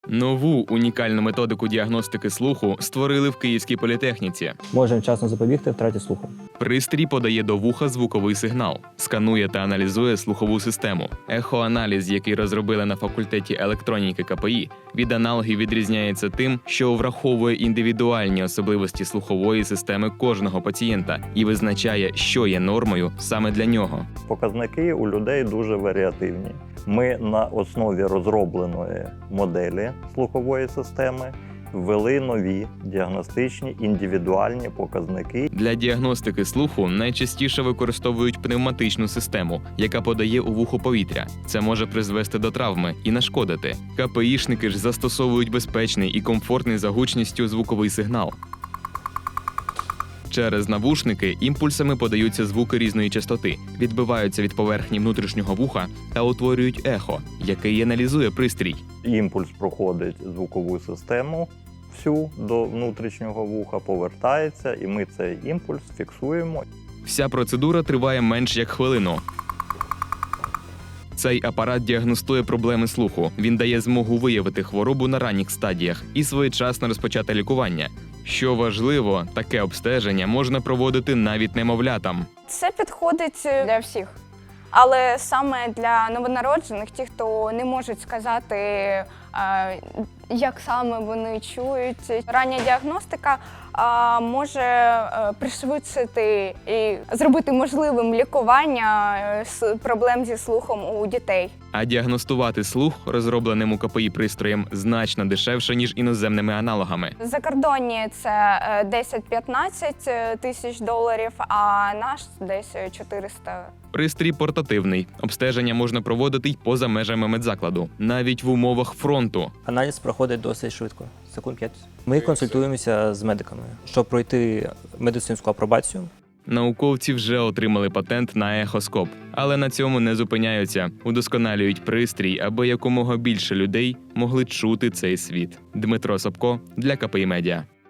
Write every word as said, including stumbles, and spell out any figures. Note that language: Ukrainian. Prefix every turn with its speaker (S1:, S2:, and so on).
S1: Нову унікальну методику діагностики слуху створили в Київській політехніці.
S2: Можемо вчасно запобігти втраті слуху.
S1: Пристрій подає до вуха звуковий сигнал, сканує та аналізує слухову систему. Ехоаналіз, який розробили на факультеті електроніки КПІ, від аналогів відрізняється тим, що враховує індивідуальні особливості слухової системи кожного пацієнта і визначає, що є нормою саме для нього.
S3: Показники у людей дуже варіативні. Ми на основі розробленої моделі слухової системи ввели нові діагностичні індивідуальні показники.
S1: Для діагностики слуху найчастіше використовують пневматичну систему, яка подає у вухо повітря. Це може призвести до травми і нашкодити. КПІшники ж застосовують безпечний і комфортний за гучністю звуковий сигнал. Через навушники імпульсами подаються звуки різної частоти, відбиваються від поверхні внутрішнього вуха та утворюють ехо, яке і аналізує пристрій.
S3: Імпульс проходить звукову систему всю до внутрішнього вуха, повертається, і ми цей імпульс фіксуємо.
S1: Вся процедура триває менш як хвилину. Цей апарат діагностує проблеми слуху. Він дає змогу виявити хворобу на ранніх стадіях і своєчасно розпочати лікування. Що важливо, таке обстеження можна проводити навіть немовлятам.
S4: Це підходить для всіх. Але саме для новонароджених, ті, хто не можуть сказати, як саме вони чують. Рання діагностика може пришвидшити і зробити можливим лікування з проблем зі слухом у дітей.
S1: А діагностувати слух розробленим у КПІ пристроєм значно дешевше, ніж іноземними аналогами.
S4: Закордонні це десять-п'ятнадцять тисяч доларів, а наш десь чотириста.
S1: Пристрій портативний. Обстеження можна проводити й поза межами медзакладу, навіть в умовах фронту.
S2: Аналіз проходить досить швидко, секунд п'ять. Ми консультуємося з медиками, щоб пройти медицинську апробацію.
S1: Науковці вже отримали патент на ехоскоп, але на цьому не зупиняються. Удосконалюють пристрій, аби якомога більше людей могли чути цей світ. Дмитро Собко для КПІ Медіа.